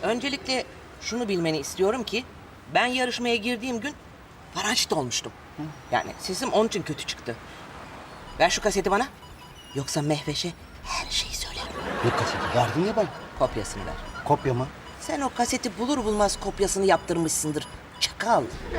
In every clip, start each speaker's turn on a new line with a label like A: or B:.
A: Öncelikle şunu bilmeni istiyorum ki ben yarışmaya girdiğim gün parançit olmuştum. Yani sesim onun için kötü çıktı. Ver şu kaseti bana. Yoksa Mehveş'e her şeyi söylerim.
B: Ne kaseti? Verdin ya ben.
A: Kopyasını ver.
B: Kopya mı?
A: Sen o kaseti bulur bulmaz kopyasını yaptırmışsındır. Çakal.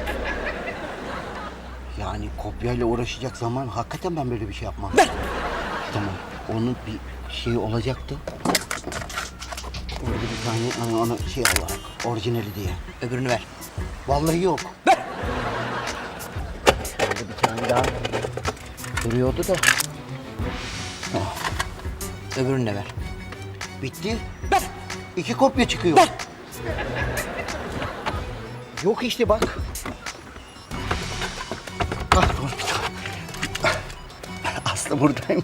B: Yani kopyayla uğraşacak zaman hakikaten ben böyle bir şey yapmam.
A: Ver.
B: Tamam. Onun bir şeyi olacaktı. Orada bir tane ona şey olarak orijinali diye.
A: Öbürünü ver.
B: Vallahi yok.
A: Ver.
B: Orada bir tane daha duruyordu da.
A: Öbürünü de ver.
B: Bitti.
A: Ver.
B: 2 kopya çıkıyor.
A: Ver.
B: Yok işte bak. Ah, dur bir tane. Aslı buradaymış.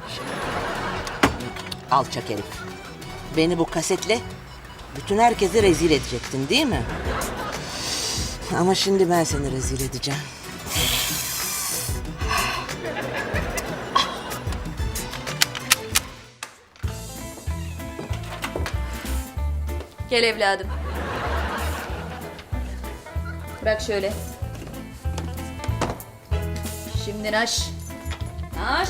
A: Alçak herif. Beni bu kasetle bütün herkese rezil edecektin değil mi? Ama şimdi ben seni rezil edeceğim.
C: Gel evladım. Bırak şöyle. Şimdi naş. Naş.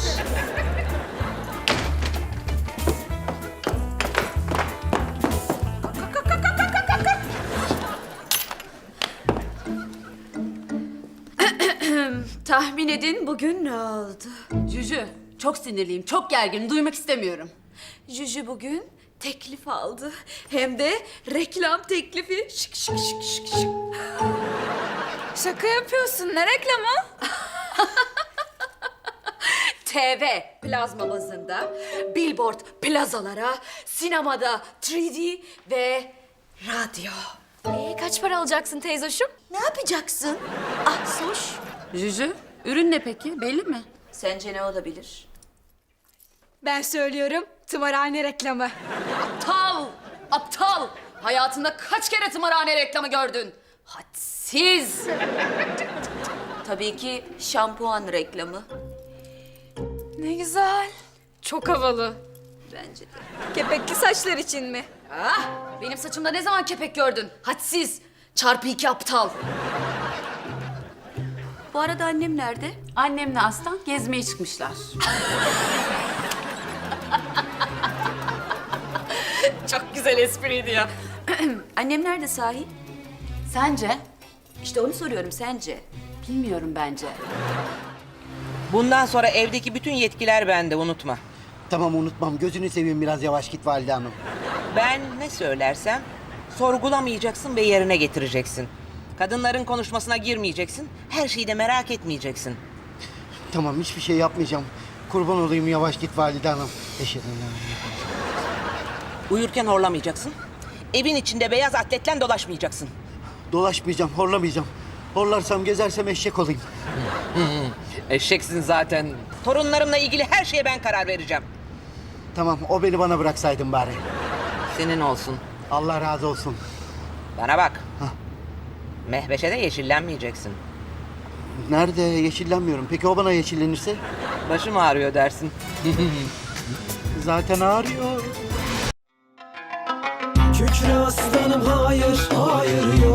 C: Tahmin edin bugün ne oldu?
D: Jüjü, çok sinirliyim, çok gerginim, duymak istemiyorum.
C: Jüjü bugün teklif aldı. Hem de reklam teklifi. Şık şık şık şık şık.
E: Şaka yapıyorsun. Ne reklamı?
C: TV plazma bazında, billboard plazalara, sinemada 3D ve radyo.
E: Kaç para alacaksın teyzoşum?
C: Ne yapacaksın? Ah Soş.
D: Jüjü, ürün ne peki, belli mi?
C: Sence ne olabilir?
E: Ben söylüyorum. Tımarhane reklamı.
D: Aptal, aptal! Hayatında kaç kere tımarhane reklamı gördün? Hadsiz!
C: Tabii ki şampuan reklamı.
E: Ne güzel. Çok havalı.
C: Bence de.
E: Kepekli saçlar için mi?
D: Ah, benim saçımda ne zaman kepek gördün? Hadsiz! Çarpı 2 aptal!
C: Bu arada annem nerede?
D: Annemle Aslan gezmeye çıkmışlar.
C: Çok güzel espriydi ya. Annem nerede sahi?
D: Sence?
C: İşte onu soruyorum, sence?
D: Bilmiyorum bence.
A: Bundan sonra evdeki bütün yetkiler bende, unutma.
B: Tamam unutmam. Gözünü seveyim biraz yavaş git Valide Hanım.
A: Ben ne söylersem sorgulamayacaksın ve yerine getireceksin. Kadınların konuşmasına girmeyeceksin. Her şeyi de merak etmeyeceksin.
B: Tamam hiçbir şey yapmayacağım. Kurban olayım yavaş git Valide Hanım. Eşhedü en la ilahe
A: Uyurken horlamayacaksın. Evin içinde beyaz atletle dolaşmayacaksın.
B: Dolaşmayacağım, horlamayacağım. Horlarsam, gezersem eşek olayım.
A: Eşeksin zaten. Torunlarımla ilgili her şeye ben karar vereceğim.
B: Tamam, o beni bana bıraksaydın bari.
A: Senin olsun.
B: Allah razı olsun.
A: Bana bak.
B: Hah.
A: Mehveş'e de yeşillenmeyeceksin.
B: Nerede? Yeşillenmiyorum. Peki o bana yeşillenirse?
A: Başım ağrıyor dersin.
B: Zaten ağrıyor.
F: Kükre aslanım hayır, hayır yok.